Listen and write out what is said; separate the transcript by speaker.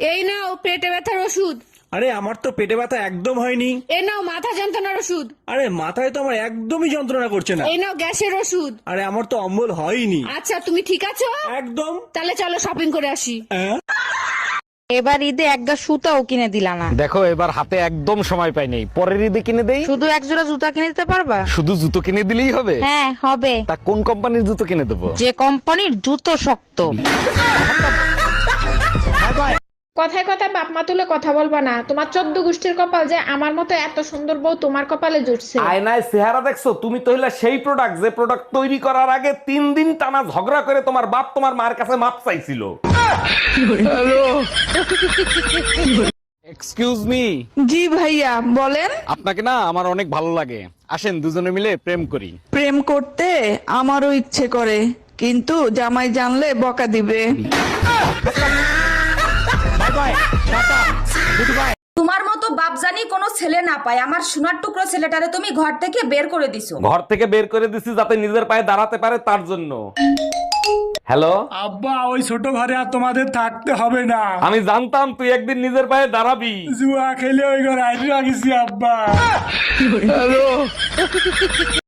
Speaker 1: এই নাও পেটে ব্যথার ওষুধ।
Speaker 2: আরে আমার তো পেটে ব্যথা একদম হয়নি।
Speaker 1: এই নাও মাথা যন্ত্রণার ওষুধ।
Speaker 2: আরে মাথায় তো আমার একদমই যন্ত্রণা করছে না।
Speaker 1: এই নাও গ্যাসের ওষুধ।
Speaker 2: আরে আমার তো অম্বল হয়নি।
Speaker 1: আচ্ছা তুমি ঠিক আছো?
Speaker 2: একদম।
Speaker 1: তাহলে চলো শপিং করে আসি।
Speaker 3: এবার ঈদে একটা সুতাও কিনে দিলা না।
Speaker 4: দেখো এবার হাতে একদম সময় পাই নাই, পরের ঈদে কিনে দেই।
Speaker 3: শুধু এক জোড়া জুতা কিনে দিতে পারবা?
Speaker 4: শুধু জুতো কিনে দিলেই হবে?
Speaker 3: হ্যাঁ হবে।
Speaker 4: তা কোন কোম্পানির জুতো কিনে দেবো?
Speaker 3: যে কোম্পানির জুতো শক্ত।
Speaker 5: কথায় কথায় বাপ মা তুলে কথা বলবা না। তোমার 14 গোষ্ঠীর কপাল যে আমার মতো এত সুন্দর বউ তোমার কপালে জুটছে।
Speaker 4: আয়নায় চেহারা দেখছো? তুমি তো হইলা সেই প্রোডাক্ট যে প্রোডাক্ট তৈরি করার আগে 3 দিন টানা ঝগড়া করে তোমার বাপ তোমার মার কাছে মাপ চাইছিল। Excuse me.
Speaker 6: জি ভাইয়া বলেন।
Speaker 4: আপনাকে না আমার অনেক ভালো লাগে, আসেন দুজনে মিলে প্রেম করি।
Speaker 6: প্রেম করতে আমারও ইচ্ছে করে, কিন্তু জামাই জানলে বকা দিবে।
Speaker 7: তোমার মতো বাপজানি কোনো ছেলে না পায়, আমার সোনার টুকরো ছেলেটারে তুমি ঘর থেকে বের করে দিছো।
Speaker 4: ঘর থেকে বের করে দিছি যাতে নিজের পায়ে দাঁড়াতে পারে তার জন্য। হ্যালো
Speaker 8: আব্বা, ওই ছোট ঘরে আর তোমাদের থাকতে হবে না।
Speaker 4: আমি জানতাম তুই একদিন নিজের পায়ে দাঁড়াবি।
Speaker 8: জুয়া খেলে ওই ঘরে আইসা গেছি আব্বা।